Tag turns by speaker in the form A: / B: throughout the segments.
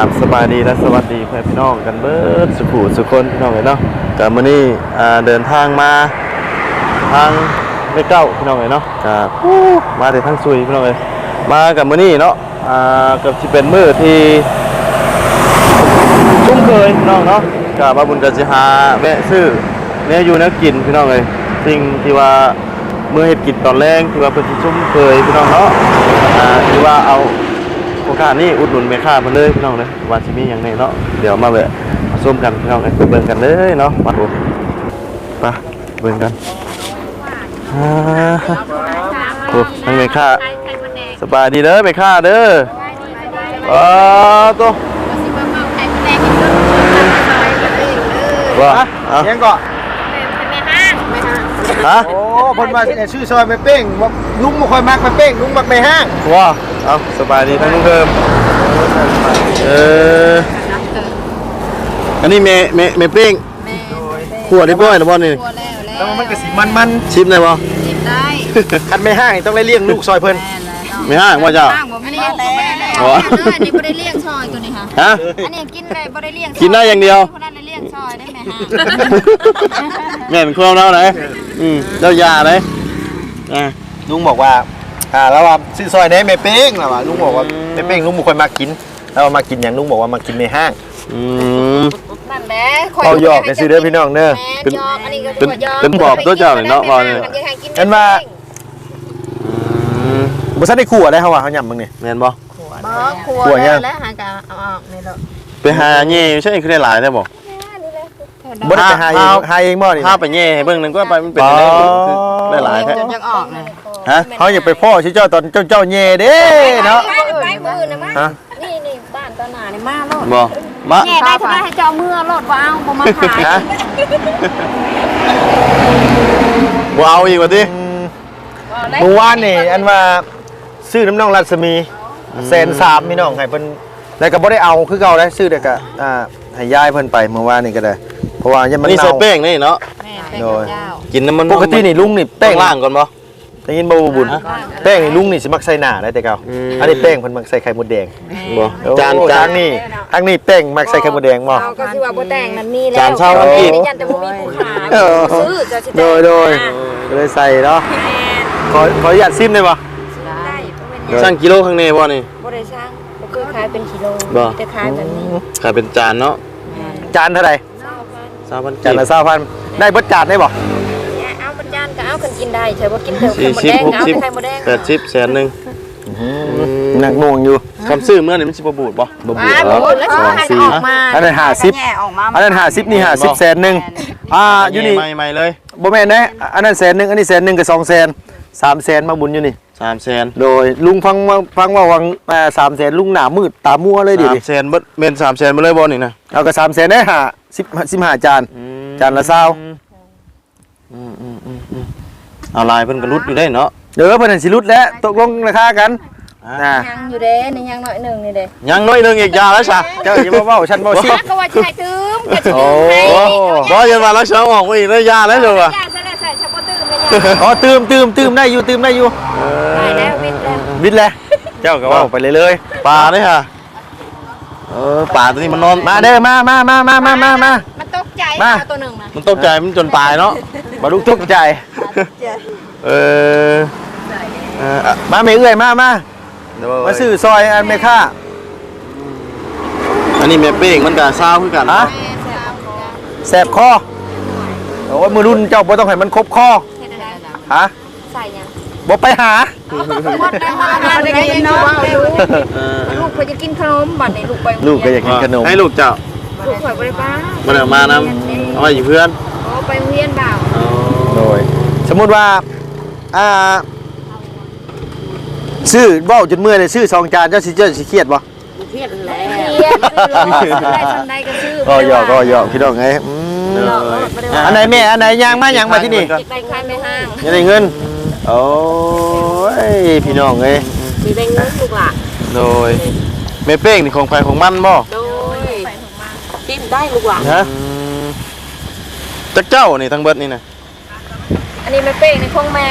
A: บสบายดีและสวัสดีเพื่อนพี่น้องกันเบิดสุขุสุคนพี่น้องเลยเนาะกับมื้อนี้เดินทางมาทางไม่เก้าพี่น้องเลยเนาะกับมาแต่ทางซุยพี่น้องเลยมากับมื้อนี้เนาะกับที่เป็นมื้อที่ชุ่มเคยพี่น้องเนาะกับมาบุญกับสิหาแวะซื้อเนี่ยอยู่เนี่ยกินพี่น้องเลยสิ่งที่ว่าเมื่อเฮ็ดกินตอนแรกที่ว่าเป็นที่ชุ่มเคยพี่น้องเนาะที่ว่าเอาโอกาสนี้อุดหนุนแม่ค้ามาเลยพี่น้องเลยว่าสิมีอย่างไรเนาะเดี๋ยวมาแวะมาส้มกันพี่น้องเลยไปเบิ่งกันเลยเนาะมาดูไปเบิ่งกันโอ้ทั้งแม่ค้าสบายดีเด้อแม่ค้าเด้อตัวว่า
B: ยังก็
A: ฮะ
B: โอ้คนมาชื่อซอยไปเป้งลุงมาคอยมักไปเป้งลุงมักไปห้าง
A: ว้าเอาสบายดีทั้งลุงเดิมอันนี้เมเป้งขวดได้บ่อยหรือบ่นี่
B: แล้วมันก็สิมัน
A: ชิมได้บ่
C: ชิมได้
B: คันไม่ห้างต้องได้เลี้ยงลูกซอยเพิ่น
A: ไม่ห้างว่าเจ้า
C: อันนี้บ่ได้เลี้ยงซอยตัวนี้ค่ะ
A: ฮะ
C: อันนี้กินได้บ่ได้เลี้ยง
A: กินได้อย่างเดียว
C: คนนั้นได้เลี้ยงซอยได้ไหมฮะ
A: แม่เป็นคนเราไหนเจ้ายาเลย
B: ลุงบอกว่าแล้วว่าชื่อซอยไหนไม่เป้งแล้วว่าลุงบอกว่าไม่เป้งลุงบ่ค่อยมากินแล้วมากินอย่างลุงบอกว่ามากินในห้าง
C: นั่นแหละ
B: เอาหยอกกันสิเด้อพี่น้องเด้อ
A: เป็นบอกตัวเจ้าเนาะพอเนี่ย
B: อันว่าบ่ทันได้ขั่วได้เฮาว่าเฮาย่ำมึงนี่
A: แม่นบ่
C: ขัวแล้วหากะเอาออกนี่เด้อ
A: ไปหาแย่ใช่คือได้หลายได้บ่
B: บ่ได้ไปหาเองบ่นี่
A: ถ้าไปแย่ให้เบิ่งนึงก็ไปมันเป็นได้หลายแท้
C: จนจังออกเลย
B: ฮะเฮาอย่าไปพ่อชื่อเจ้าตอนเจ้าแย่เด้เนาะ
C: ไปมื้อน่ะมานี่บ้านตอนหน้านี่มาโลด
A: บ่มา
C: แย่ได้เท่าให้เจ้ามื้อโลดบ่เอาบ่มาขาย
A: บ่เอาอีกว่าติ
B: เมื่อวานนี่อันว่าซื้อน้ำน้องรัศมี130,000พี่น้องให้เพิ่นแล้วก็บ่ได้เอาคือเก่าได้ซื้อแต่ก็ให้ยายเพิ่นไปเมื่อวานนี่ก็ได้เพราะว่ายังมัน
A: นี่ใส่แป้งนี่เนาะ
C: โดย
A: กินน้ำมัน
B: ปกตินี่ลุงนี่แป้ง
A: ล่างก่อนบ่
B: ได้ยินบ่บุญแป้งนี่ลุงนี่สิมักใส่หน้าได้แต่เก่าอันนี้แป้งเพิ่นมักใส่ไข่มดแดง
A: บ่
B: จานนี่ทั้งนี้แป้งมักใส่ไข่มดแดงบ่
C: ก็สิว่าบ่แต่งนั่นมีแล้ว
A: จานเช้ามันกิน
C: ยันแต่บ่มีผู้ขายซื้อจะสิ
B: โดยเลยใส่เนาะขออนุญาตซิมได้บ่
A: ช่างกิโลข้างในบ่นี่
C: บ่ได้ช่างบ่เคยขายเป็นกิโลจะขายแบบนี้
A: ขายเป็นจานเนาะ
B: จานเท่าไหร่
A: 20,000
B: จานละ20,000ได้เบิดจานได้บ่
C: เอาเป็นจานก็เอากันกินได้ใช่บ่กินเถอะไข่มดแดงเอาไข่มดแดง
A: 80แสนนึง
B: หนักหน่วงอยู่
A: คำซื้อเมื่อนี่มันสิบ่บูดบ่
C: บูดแล้ว2 4
B: อันนั้น50อันนั้น50นี่50แสนนึงอยู่นี่
A: ใหม่เลย
B: บ่แม่นนะอันนั้นแสนนึงอันนี้แสนนึงก็2แสน3แสนมาบุญอยู่นี่
A: 3แสน
B: โดยลุงฟังว่าวัง3แสนลุงหน้ามืดตามัวเลยดิ
A: 3แสนเบิดเม่น3แสนมาเลยบ่นี่นะ
B: เอาก็3แสนได้15จานจานละ20
A: เอาลายเพิ่นก็รุดอยู่ได้เนาะ
B: เด้อเพิ่นสิรุดแล้วตกลงราคากัน
C: ยังอยู่เด้นี่ยังน้อยนึงนี่เด้
A: ยังน้อยนึงอีกยาแล้วซะ
B: เจ้าอย่ามาเว้าฉันบ่สิ
C: ก็ว่าใช่ตื้มก็สิ
A: บ่ยันมาแล้วเช้าออกอีกแล้วยาแล้วจ้ะว่ะ
C: ยาซะแล้วใส่ชะบ่ตื้มเลย
B: อ๋อตื้มได้อยู่ได้อยู่
C: ได้แล้ว
B: วิทย์แล้วเจ้าก็เว้าไปเลย
A: ปลาเด้อค่ะปลาตัวนี้มันนอน
B: มาเด้อมา
C: มันตกใจตัวนึงนะ
A: มันตกใจมันจนตายเนาะ
B: บ่ลุกตกใจมาแม่เอื้อยมาซื้อซอยอันแม่ค้า
A: อันนี้แม่เป้งมันก็ซาวคือกัน
B: ฮะแสบคอโอ้ยมือรุ่นเจ้าบ่ต้องให้มันครบคอฮะ
C: ใส่ยัง
B: บ่ไปหา
C: หมดแล้วมาได้กินเนาะลูกเพิ่นจะกินขนมบัดนี้
B: ลูกก็อยากกินขนม
A: ให้ลูกเจ้า
C: ลูกข่อยบ่ได้ป้า
A: มันเอามานำเอาไว้อยู่เพื่อน
C: ไปเรียนบ่าว
B: โดยสมมุติว่าซื้อเว้าจนเมื่อยเลยซื้อ2จานเจ้าสิเครียดบ่
C: เครียดแล้วได้ทำได้ก็ซื้อ
B: ก็หยอกพี่น้องไงอันไหนแม่อันไหนย่างมาที่นี่
C: ได้ขายไม่ห้าง
B: ยังได้เงินโอ้ยพี่น้องเอ้ย
C: สิได้เงินลูกหล่ะ
A: โดยแม่เป้งนี่ของไผของมันบ่
C: โดยกินได้ลูกหล่ะ
A: ฮะจักเจ้านี่ทั้งเบิดนี่นะ
C: อันนี้แม่เป้งในของแม่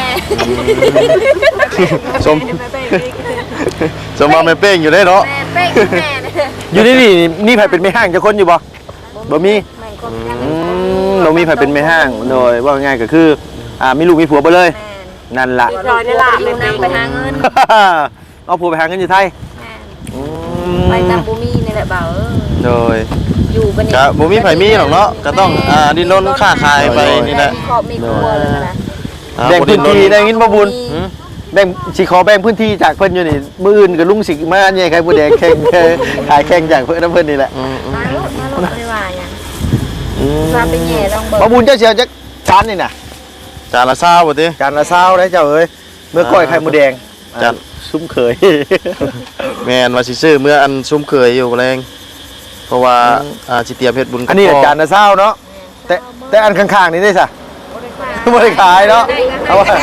A: สมมาแม่เป้งอยู่ได้เนาะ
C: แม่เป้งแม่
B: อยู่นี่ไผเป็นแม่ห้างจะคนอยู่บ่บ่มี
C: แม่นคน
B: บ่มีไผเป็นแม่ห้างโดยว่าง่ายก็คือมีลูกมีผัวไปเลย
C: แม่น
B: นั่นล่ะ
C: รอยได้ล่ะอยู่นำไปหาเงิน
B: เอาผัวไปหาเงินอยู่ไทย
C: แม่นไปตามบ่มีนี่แหละบ่าว
B: โดย
C: อยู่บัดนี้
A: ก็บ่มีไผมีหรอกเนาะก็ต้องดิ้นรนค้าขายไปนี่แหละ
C: มีครอบมีครัวเลยนะ
B: แบ่งพื้นที่ได้ยินบ่บุญแบ่งสิขอแบ่งพื้นที่จากเพิ่นอยู่นี่มื้ออื่นก็ลุงสิมาอันใหญ่ใครผู้แดงแข่งขายแข่งจากเพิ่นนี่แหละ
C: มาลูกไม่ว่าหยังมาเป็นแย่ลองเบิ่ง
B: บ่บุญเจ้าเสียวจักจานนี่น่ะ
A: จานละ20บ่ติ
B: จานละ20ได้เจ้าเอ้ยเมื่อก้อยไข่หมูแดง
A: จาน
B: ซุ้มเขย
A: แม่นว่าสิซื้อเมื่ออันซุ่มเคยอยู่แรงเพราะว่าสิเตรียมเฮ็ดบุญกับ
B: อันนี้
A: พ่
B: จานละ20เนาะแต่อันข้างๆนี่ได้ซะ
C: บ่ได้ขาย
B: บ่ได้ขายเนาะเอาว่า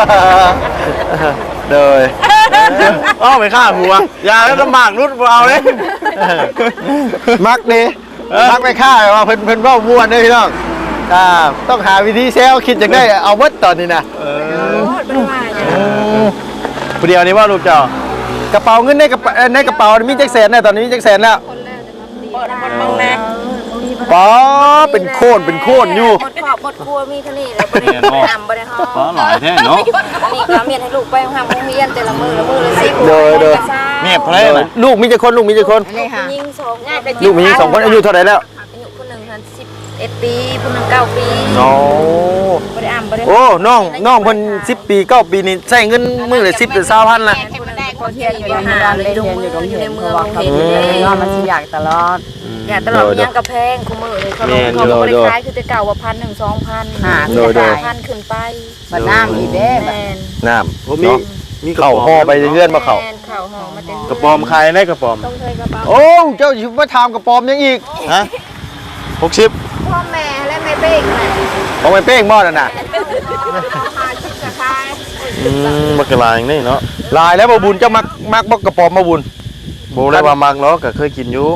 B: โดย
A: อ้าวไม่ฆ่าหัวอย่าแล้วลำบากรุดบ่เอาเลย
B: มักดิมักไปฆ่าว่าเพิ่นเว้าม่วนเด้อพี่น้องต้องหาวิธีแซวคิดจังได้เอาเบิดตอนนี้นะ
C: บ่ได้ว่าหยัง
A: ผู้เดียวนี่ว่าลูกเจ้าก
B: ระเป๋าเงินในกระเป๋ามีจักแสนแล้วตอนนี้มีจักแสนแล้ว
C: เปิดหมดบังแม่
B: ป๋อเป็นโคนอยู่
C: หมดครอบหมดครัวมีเท่านี้แล้วบ่ได้ทำบ่ได้ฮ้อ
A: อ๋อหลายแท้เนาะ
C: นี่ก็เมียนให้ลูกไปห้ามโรงเรียนแต่ละมื้อละมื้อละ10
B: โดย
A: เมียเพลน่ะ
B: ลูกมีจักคน
C: ผู้หญิง2ง่ายไป
B: ลูกมี2คนอายุเท่าไหร่แล้ว
C: อายุคนหนึง11ปีคนหนึง9ปี
B: โอ้
C: บ่ได้บ่ได้
B: โอ้น้องเพิ่น10 ปี9 ปีนี่ใช้เงินมื้อละ10หรือ20,000ล่ะ
C: คนเที่ยวอยู่ในหาดเลยอยู่ในเมืองเห็นเลย
D: ว่ามันสิอยากตลอด
C: อย่าตลอดยังกระแพงคุมือเลยเขาลงเขาบริขายคือแต่เก่าว่า1,000 2,000
D: หา
C: 1,000ขึ้นไป
D: บัดน้ำอีกเด้บัด
C: แม่น
B: น้ำ
A: โอ้มีกระ
B: เข้า
A: ป๋อม
B: ห่อไปเรื่อยๆบ่เข้า
C: แม่นเข้าห่อมาเต็ม
A: กระป๋อมขายได้กระป๋อม
C: ต้องเคยกระเป๋า
B: โอ้เจ้าสิมาถามกระปอมยังอีก
A: ฮะ60
C: พ่อแม่และแม่เป้งแหละ
B: ของไปเป้งบ่นั่นน่ะ
C: 50กระคาย
A: บักกะลาอย่างนี้เนาะ
B: ลายแล้วบ่บุญเจ้ามักบ่กระปอมบ่บุญ
A: บ่ได้ว่ามักเนาะก็เคยกินอยู่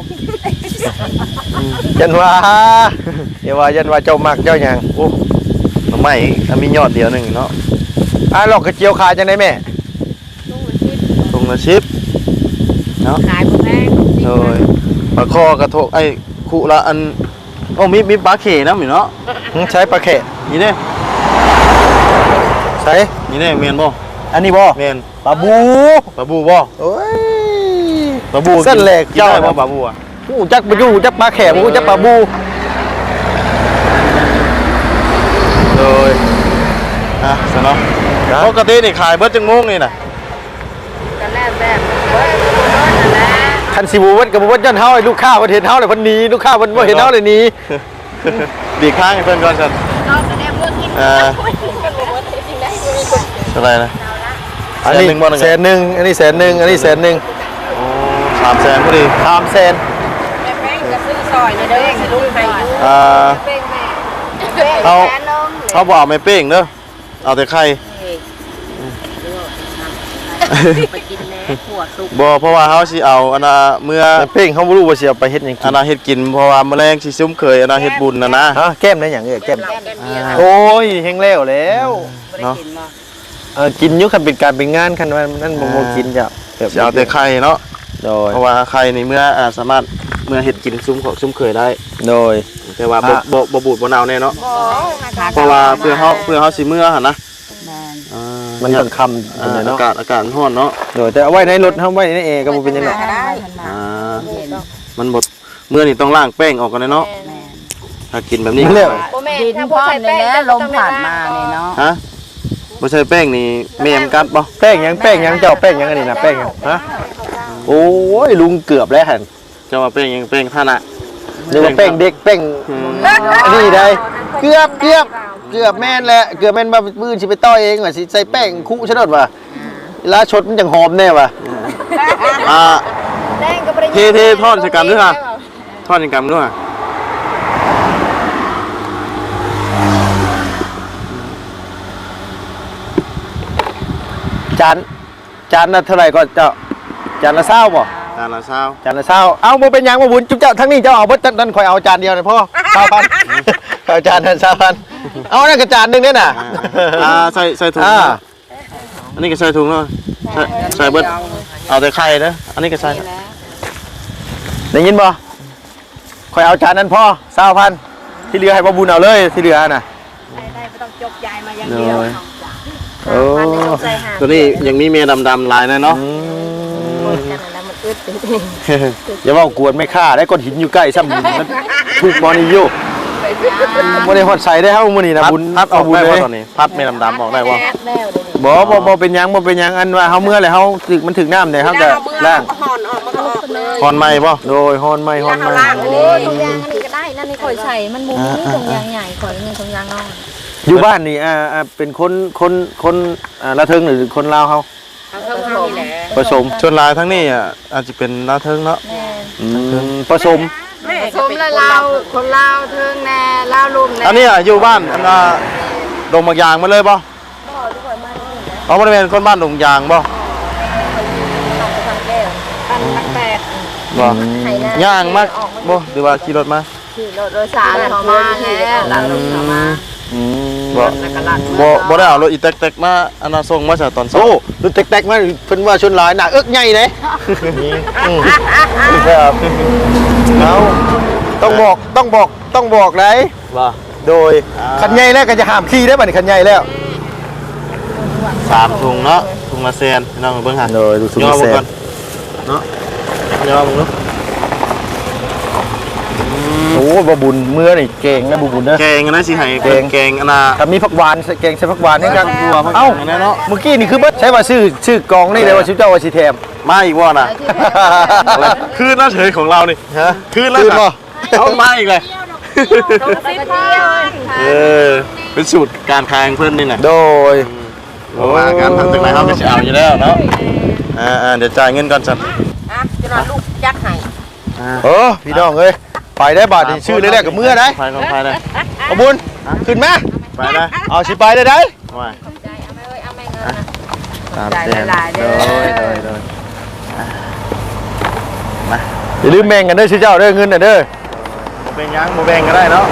B: ยันว่าอย่าว่ายันว่าเจ้ามักเจ้าหยัง
A: โอ้หน่อไม้มียอดเดียวหนึงเนาะ
B: หลอกกระเจียวขายจังได๋แม่
C: ลุงละ10
A: ถุงละ10เนาะ
C: ขายบ่แพง
A: โดยปลาคอกระทกไอ้คุละอันโอ้มีปลาเข่น้ำอยู่เนาะ
B: ใช้ปลาแขะ
A: นี่เด้
B: ใช้
A: นี่เด้เมียนบ่
B: อันนี้บ่
A: เมียน
B: ปลาบู
A: ปลาบูบ่
B: โอ้ย
A: ปลาบู
B: เส้นแหลก
A: เจ้า
B: เจ้า
A: บ่ปลาบูอ่ะ
B: ฮู้จักบ่อยู่จักปลาแขะบ่ฮู้จักปลาบู
A: โดยสนเนาะปกตินี่ขายเบิดจังงงนี่น่ะ
C: กันแล้วแบบเฮ้ยบ่นอนนั่นแหละ
B: คันสิบ่เวัดก็บ่เวัดย้อนเฮาให้ลูกค้าเพิ่นเห็นเฮาเลยเพิ่นหนีลูกค้าเพิ่นบ่เห็นเฮาเลยหนี
A: ดีข้างให้เพิ่นก่อนกัน
C: นอนก็ได้เมื่อกิน
A: เท่าไหร่นะ
B: อันนี้
A: 1,000,000บ่
B: แสนหนึงอันนี้แสนหนึงอันนี้แสนหนึง
A: โอ้300,000พอดี
B: 3แสน
C: แม่แป้งก็ซื้อซอยเด้อสิลูกให้อยู่ เป้งแม่
A: เอา
C: แฟนน้อง
A: เขาบ่เอาไม่เป้งเด้อเอาแต่ไข่
C: ไปกินแน่หัวสุก
A: บ่เพราะว่าเฮาสิเอาอันน่ะเมื่อ
B: แต่เป้งเขาบ่รู้ว่าสิเอาไปเฮ็ดหยังกิ
A: อัน
B: น
A: น่ะเฮ็ดกินเพราะว่าแมลงสิซุ่มเคยอันน่ะเฮ็ดบุญน่ะนะ
B: ฮะแก้มได้หยังแก้ม
C: แก้มเบียร์
B: โอ้ยเฮงแล้วแล้ว
A: เนาะ
B: กินอยู่คันเป็นการเป็นงานคันว่านั่นบ่กินจ้ะแบบ
A: สิเอาแต่ไข่เนาะ
B: โดย
A: เพราะว่าไข่นี่เมื่อสามารถเมื่อเฮ็ดกินซุ่มของซุ่มเคยได้
B: โดย
A: แต่ว่าบ่บูดบ่เน่าแน่เนาะ
C: บ่
A: เพราะว่าเพื่อเฮาสิเมื่อหั่นนะ
D: แม่น
B: มันต้องคำเป็นไง
A: อา
B: เนาะ
A: กาศมันร้อนเนาะ
B: โดยแต่เอาไว้ในรถเฮาไว้ในแอร์ก็บ่เป็นหยังหรอก
D: ได้เพิ่นมา
A: อ่า
D: เย็น
A: มันบ่เมื่อนี่ต้องล้างแป้งออกกันเลยเนาะ
D: แม่น
A: ถ้ากินแบบนี้
B: แล้ว
C: บ่แม่
D: ดิน
C: ถ้า
D: พ
C: บ่
D: ร้อม
C: ใส่
D: เลย
C: แป้ง
D: แหละลมผ่านมานี่เนาะ
A: ฮะบ่ใช่แป้งนี่แม่มกัดบ่
B: แป้งหยังเจ้าแป้งหยังอันนี้นะแป้งหยังฮะโอ้ยลุงเกือบแล้วหั่น
A: จะว่าแป้งยังแป้งท่าน่ะ
B: นึกว่าแป้งเด็กแป้ง
A: อืม
B: อันนี้ได้เกือบแม่นแหละเกือบแม่นว่ามื้อสิไปต่อเองว่าสิใส่แป้งคุซะโดดว่าเวลาชดมันจังหอมแน่ว่ะ
A: อ่า
C: แป้งก็บ่ได้
A: เททอดใส่กันด้วยค่ะ ทอดยังกำด้วย
B: จานละเท่าไหร่ก็เจ้าจานละ20บ่
A: จานละเช้า
B: จานละ20เอาบ่เป็นหยังบ่บุญจุ๊บเจ้าทั้งนี้เจ้าเอาเบิดนั่นข่อยเอาจานเดียวนะพ่อ20,000เอาจานนั้น20,000เอานั่นก็จานหนึงเด้น่ะ
A: ใส่ถุง
B: อ่า
A: อันนี้ก็ใส่ถุงเนาะใส่เบิดเอาแต่ไข่นะอันนี้ก็ใส่
B: ได้ยินบ่คอยเอาจานนั้นพ่อ20,000ที่เหลือให้บ่บุญเอาเลยที่เหลือน่ะ
C: ได้ไม่ต้องจกยายมาอย่างเดียว
B: โอ้
A: ตัวนี้ยังมีเมียดำๆลายนะเนาะ
C: กันแล้วมันอึดจริง
B: อย่าว่ากวนไม่ฆ่าได้ก้อนหินอยู่ใกล้ซ้ำหินมันถูกบอนี่อยู่บ่ได้ฮอดใส่ได้เฮามื้อนี้นะบุญ
A: พัดออก
B: บุญ
A: ได้
B: เล
A: ว่าย ตอนนี้พัดเมียดำๆออกได้ว่า
C: ๆแล้วเลย
B: บ่เป็นหยังบ่เป็นหยังอันว่าเฮาเมื่อแล้วเฮาถึกมันถึกน้ำได้เฮาก็ล้าง
C: ห่อนออกมันก็ออกเลย
A: คอนไม้ป่ะ
B: โดยฮอนไม้
C: โอ้ยถุงยางอันนี้ก็ได้นั่นนี่ข่อยใส่มันมุมนี้ถุงยางใหญ่ข่อยนี่ถุงยางน้อย
B: อยู่บ้านนี่เป็นคนละเทิงหรือคนลาวเฮา
C: เอาเท่านี้แหละ
B: ผสม
A: ชนลายทั้งนี้อาจจะเป็นลาเทิงเนาะ
C: แม่
B: ผสม
C: ผสมแล้วเราคนลาวเทิงแน่ลาวลุ่มแน่
A: อันนี้อยู่บ้านอันดงบางยางมาเลยป่ะเอาบริเวณคนบ้านดงยางป่ะ
C: ปันตักแตก
A: ป่ะย่างมากป่ะหรือว่าขี่รถมา
C: ขี่รถโดยสารเขามาแล้วหลังรถเขามา
A: บ่บ่ได้เอารถอีแต๊กๆมาอันน่ะส่งมาจากตอนเช้า
B: โอ้รุ่นแตกๆมาเพิ่นว่าชนหลายหน้าเอิกใหญ่เด้ครับเอาต้องบอกได้
A: ว่า
B: โดยคันใหญ่แล้วก็จะห้ามขี่ได้บัดนี้คันใหญ่แล้ว
A: 3ถุงเนาะถุงละแสนพี่น้องเบิ่งหา
B: โดยดูสุด
A: ย่อ
B: แซ่
A: บ่ก่อบ นเนาะย่อบ่เนาะ
B: โอ้บ่บุญเมื่อนี่เก่งนะบ่บุญเด้อ
A: แกงนะสิให้แกงอันน่ะ
B: ถ้ามีผักหวานแกงใส่ผักหวานให้กัน
A: เอ้า
B: เอ้า
A: เนาะ
B: เมื่อกี้นี่คือเบิดใช้ว่าชื่อกองนี่เลยว่าชื่อเจ้าว่าสิแถม
A: มาอีกว่าน่ะคืนน่าเฉยของเรานี่
B: ฮะ
A: คืนแล้วเอามาอีกเลยเป็นสูตรการคายของเพื่อนนี่แหละ
B: โดย
A: บอกว่าการทำตึกไหนเขาก็จะเอาอยู่แล้วเนาะเดี๋ยวจ่ายเงินก่อนสัน
C: อ่ะจะนอนลูกยัดให้
B: พี่น้องเอ้ยไปได้บาทนี่ชื่อแรกๆกับเมื่อได้
A: ไปก่อนไปเลย
B: เอาบุญขึ้นมา
A: ไปเลย
B: เอาสิไปได้ได้
A: ว่า
C: ใจเอาไม่เอ้ยเอาไม่เงินนะ
A: ตาม
C: จ่าย
A: เส้น
C: หลายๆเด้
A: โด
C: อ
A: ย
B: อย่าลืมแบ่งกันเด้อชื่อเจ้าเด้อเงินน่ะเด้อ
A: เป็นยังโมแบงก็ได้เนาะ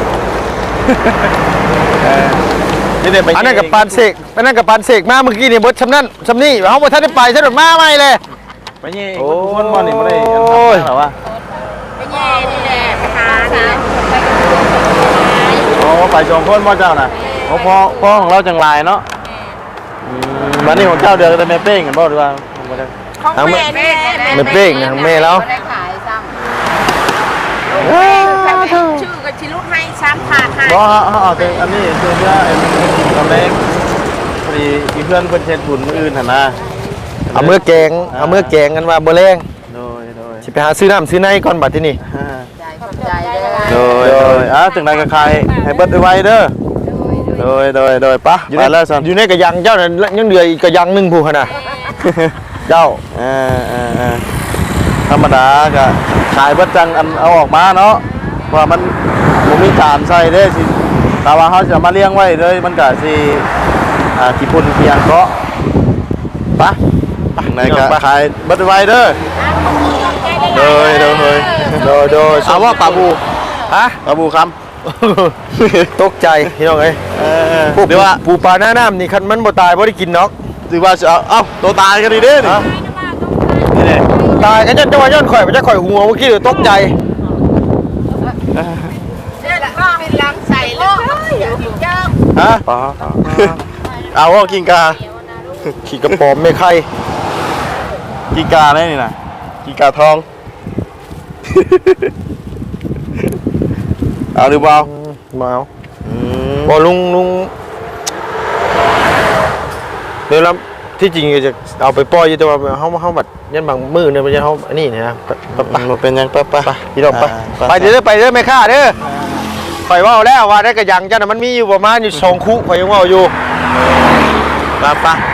A: นี่เดี๋ยวไป
B: อันนั้นกับปานเสกอันนั้นกับปานเสกมาเมื่อกี้นี่เบิดชำนั่นชำนี่เฮาบ่ทันได้ไปซะดอกมาใหม่เลย
A: ไปนี่คนบอลนี่ไม่ได้หรอวะ
C: ไปแย่นี่แหละไปหานี่แหละไปกับ
A: โอ้ไปชมคนบ่เจ้าน่ะโอ้พ่อของเราจังลายเนาะวันนี้ของเจ้าเดือดจะไม่เป้งกันบ่หรือว่า
C: ของแม่นี่แหละ
B: ไม่เป้งนะแม่แล้ว
C: ไม่ได้ขายซ้ำชื่อกับชิลุให้ซ้ำขาดให้
A: บ่เอาแต่อันนี้คือเพื่อตอนแรกพอดีมีเพื่อนเพิ่นเช็ดบุญมื้ออื่นหั่นนะ
B: เอามือแกงกันว่าบ่แรง
A: โดย
B: สิไปหาซื้อน้ำซื้อในก่อนบัดที่นี่
C: ใจขอบใจเด้อ
A: โดยจังไดก็ใครให้เบิดไว้เด้อโดยปะไปแล้วซั่น
B: อยู่ในกระยังเจ้านั่นยังเดืออีกกระยังหนึงผู้หั่นน่ะเจ้า
A: ธรรมดาก็ขายเบิดจังอันเอาออกมาเนาะว่ามันบ่มีจานใส่เด้สิแต่ว่าเฮาจะมาเลี้ยงไว้เลยมันก็สิขี้พุ่นขี้หยังเกาะปะไหนก็ขายเบิดไว้เด้อโดย เอาว่าปลาบู
B: ฮะ
A: ปลาบูค
B: ตกใจพี่น้องเอ้ย
A: ำ
B: พวก
A: เดี๋ยวว่า
B: ปูปลาหน้าน้ำนี่คันมันบ่ตายบ่ได้กินเนาะ
A: ถือว่าจะเอาตัวตายกันดีเด้นี่นี่เลย
B: ตายก็จะว่าย้อนข่อยบ่จะข่อยหัวเมื่อกี้ตกใจ
C: เนี่ยก็เป็นลำใส่แล้วเจ้า
B: ฮะ
A: เอาว่ากินกา
B: ขี่กระป๋อมไม่ไข่
A: กินกาได้นี่นะกินกาทอง เอาหรือเปล่า
B: มาเอาบ่ลุงเดี๋ยวแล้วที่จริงจะเอาไปปล่อยอยู่แต่ว่าเฮาบัดยันบางมื้อเนี่ยมันจะเฮาอันนี้นะไป
A: มันเป็นยังไป
B: พี่น้องไปเด้อไปเด้อไม่ค่าเด้อข่อยเว้าแล้วว่าได้กระยังจ้ะน่ะมันมีอยู่ประมาณอยู่2คุข่อยยังเว้าอยู่
A: ไป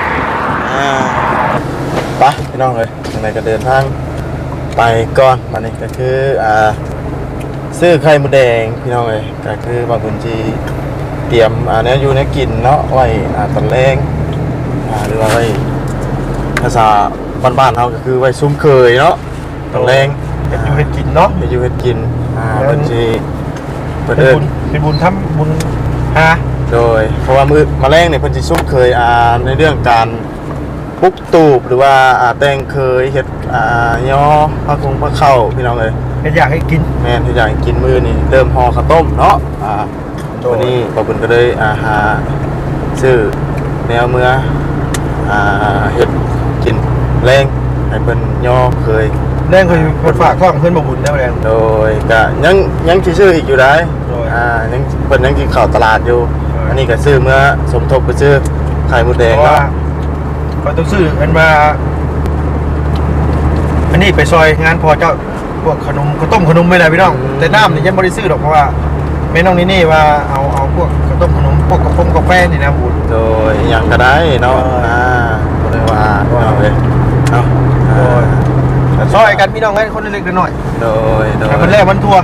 A: พี่น้องเลยยังไงก็เดินทางไปก่อนวันนี้ก็คือซื้อไข่มดแดงพี่น้องเลยก็คือบางคนจีเตรียมเนี้ยอยู่ในกินเนาะไว้ตอนแรงหรือว่าไว้ภาษาบ้านๆเขาก็คือไว้ซุ้มเคยเนาะตอนแรง
B: อยู่เฮ็ดกินเนาะ
A: ไปอยู่เฮ็ดกินบางทีเปิด
B: เป็นบุญทำบุญหา
A: โดยเพราะว่ามาแรงเนี่ยเพิ่นสิซุ้มเคยในเรื่องการปุกตูบหรือว่าแต่งเคยเฮ็ดย่อผักคงผักเข้าพี่น้องเอ้ย
B: เฮ็ดอยากให้กิน
A: แม่นที่อยากกินมื้อนี่เริ่มห่อข้าวต้มเนาะวันนี้ป้าบุญก็เลยหาซื้อแนวเมื่อเฮ็ดกินแรงให้เพิ่นย่อเคย
B: แรงเคยเพิ่นฝากท้องเพิ่นบ่บุญได้บ่แรง
A: โดยก็ยังสิซื้ออีกอยู่ได้
B: โดย
A: ยังเพิ่นยังกินข้าวตลาดอยู่
B: โดย
A: อันนี้ก็ซื้อเมื่อสมทบไปซื้อไข่มดแดง
B: เพราะว่า
A: เนาะ
B: เขาต้องซื้ออันมาอันนี้ไปซอยงานพอเจ้าพวกขนมข้าวต้มขนมไม่ได้พี่น้องแต่น้ำนี่ยังบ่ได้ซื้อหรอกเพราะว่าแม่น้องนี่ว่าเอาพวกข้าวต้มขนมพวกกาแฟนี่นะบุญ
A: โดยหยังก็ได้เนาะ
B: โดย
A: ก็เลยว่าเอาเลยเนาะ
B: โดย ซอยกันพี่น้องให้คนเล็กๆน้อย
A: โดย
B: ๆ
A: โดย
B: ให้มันแรกมันทัว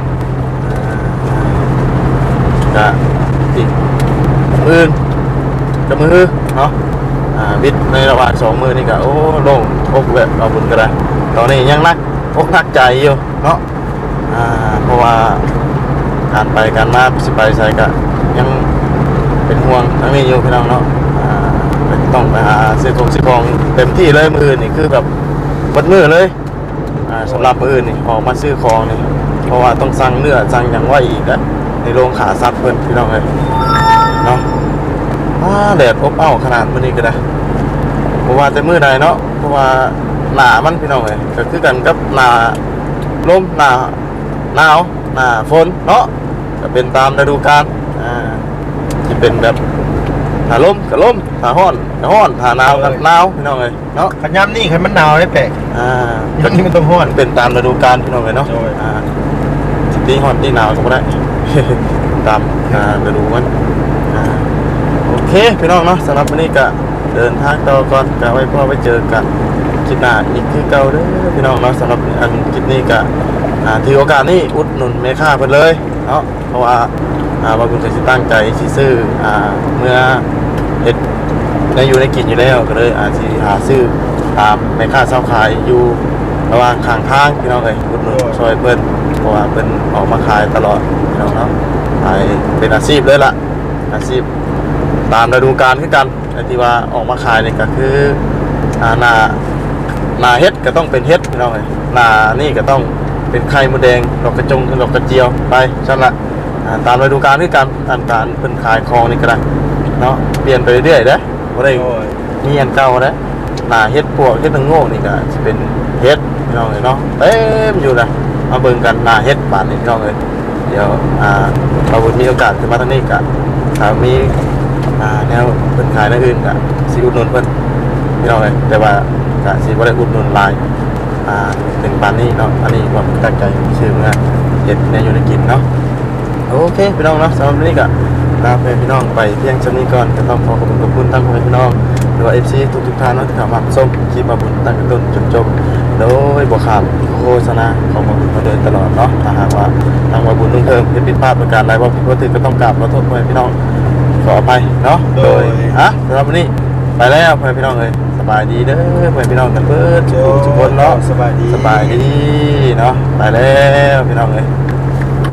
A: ก็อีกมือกับมือเนาะบิดในระหว่างสองมือนี่ก็โอ้โล่งอกแบบเอาบุญก็ได้ตอนนี้ยังนักอกนักใจอยู่เนาะเพราะว่าการไปการมาสิไปใส่ก็ยังเป็นห่วงทั้งนี้อยู่พี่น้องเนาะต้องไปหาซื้อของเต็มที่เลยมืออื่นนี่คือแบบวัดมือเลยสำหรับมืออื่นนี่ออกมาซื้อของนี่เพราะว่าต้องสั่งเนื้อสั่งอย่างว่าอีกอะในโรงขาซัดเพิ่นพี่น้องเลยเนาะแดดอบอ้าวขนาดมื้อนี้ก็ได้เพราะว่าแต่มื้อใดเนาะเพราะว่าหนามันพี่น้องเลยก็คือกันกับหนาลมหนาหนาวหนาฝนเนาะก็เป็นตามฤดูกาลที่เป็นแบบถ้าลมก็ลมถ้าร้อนก็ร้อนถ้าหนาวก็หนาวพี่น้องเลยเนาะ
B: ขันย้ำนี่ขันมันหนาวได้แปลก ย้ำนี่มันต้องห้อน
A: เป็นตามฤดูกาลพี่น้องเลยเนาะ
B: โดย
A: สิตีร้อนตีหนาวก็บ่ได้ ตามฤดูมันโอเคพี่น้องเนาะสำหรับวันนี้ก็เดินทางต่อก่อนก็ไว้พ่อไว้เจอกันคลิปหน้าอีกคือเก่าเด้อพี่น้องเนาะสำหรับอันคลิปนี้ก็ถือโอกาสนี้อุดหนุนแม่ค้าเพิ่นเลยเนาะเพราะว่าบางคนก็สิตั้งใจสิซื้อเมื่อเฮ็ดได้อยู่ได้กินอยู่แล้วก็เลยสิหาซื้อตามแม่ค้าเช่าขายอยู่ระหว่างข้างทางพี่น้องเอ้ยอุดหนุนช่วยเพิ่นเพราะว่าเพิ่นออกมาขายตลอดพี่น้องเนาะขายเป็นอาชีพเลยล่ะอาชีพตามฤดูกาลคือกันไอ้ที่ว่าออกมาขายนี่ก็คือหน้าเฮ็ดก็ต้องเป็นเฮ็ดพี่น้องเอ้ยหน้านี่ก็ต้องเป็นไข่มดแดงดอกกระจงดอกกระเจียวไปซั่นละตามฤดูกาลคือกันการเพิ่นขายของนี่ก็ได้เนาะเปลี่ยนไปเรื่อยๆเด้อบ่ได้มีอันเก่าเด้อหน้าเฮ็ดพวกเฮ็ดนางโง่นี่ก็สิเป็นเฮ็ดพี่น้องเอ้ยเนาะเต็มอยู่นะมาเบิ่งกันหน้าเฮ็ดบาดนี้พี่น้องเอ้ยเดี๋ยวเราบุญมีโอกาสขึ้นมาทางนี้ก็ถ้ามีแนวเพิ่นขายในอื่นก็สิอุดหนุนเพิ่นพี่น้องเอ้ยแต่ว่าก็สิบ่ได้อุดหนุนหลายถึงปานนี้เนาะอันนี้ความตั้งใจชื่อเมื่อเฮ็ดแนวอยู่ในกินเนาะโอเคพี่น้องเนาะสำหรับวันนี้ก็ลาพี่น้องไปเพียงเท่านี้ก่อนก็ต้องขอบคุณทั้งพี่น้องหรือว่า FC ทุกท่านเนาะที่เข้ามาชมคลิปมาบุญตั้งแต่ต้นจนจบโดยบ่ขาดโฆษณาของมาบุญมาโดยตลอดเนาะถ้าหากว่าทางมาบุญนุ่งเทิมผิดพลาดประการใดบ่ผิดบ่ถูกก็ต้องกราบขอโทษพี่น้องขออภัยเนาะโดยสำหรับวันนี้ไปแล้วพี่น้องเอ้ยสบายดีเด้อพี่น้องกันเบิดทุกคนเนาะ
B: สบายดี
A: สบายดีเนาะไปแล้วพี่น้องเอ้ย